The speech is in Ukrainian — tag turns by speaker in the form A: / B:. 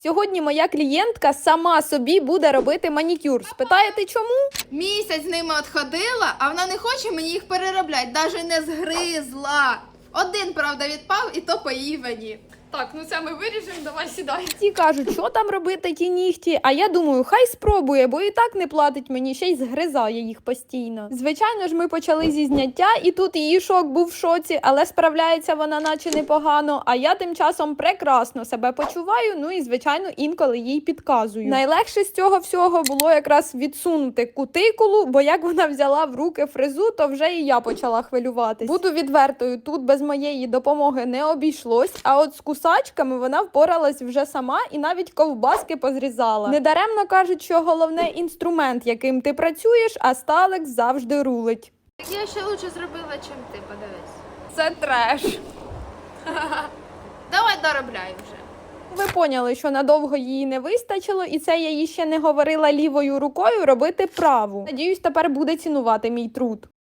A: Сьогодні моя клієнтка сама собі буде робити манікюр. Спитаєте, чому?
B: Місяць з ними отходила, а вона не хоче мені їх переробляти, навіть не згризла. Один, правда, відпав, і то по Івані.
C: Так, ну це ми виріжемо, давай сідай.
A: Ті кажуть, що там робити ті нігті, а я думаю, хай спробує, бо і так не платить мені, ще й згризає їх постійно. Звичайно ж, ми почали зі зняття, і тут її шок був в шоці, але справляється вона наче непогано, а я тим часом прекрасно себе почуваю, ну і, звичайно, інколи їй підказую. Найлегше з цього всього було якраз відсунути кутикулу, бо як вона взяла в руки фрезу, то вже і я почала хвилюватись. Буду відвертою, тут без моєї допомоги не обійшлось, а от з кусачками вона впоралась вже сама і навіть ковбаски позрізала. Недаремно кажуть, що головне інструмент, яким ти працюєш, а Сталекс завжди рулить.
B: Так я ще лучше зробила, чим ти, подивись.
C: Це треш.
B: Давай доробляй вже.
A: Ви поняли, що надовго її не вистачило, і це я їй ще не говорила лівою рукою робити праву. Надіюсь, тепер буде цінувати мій труд.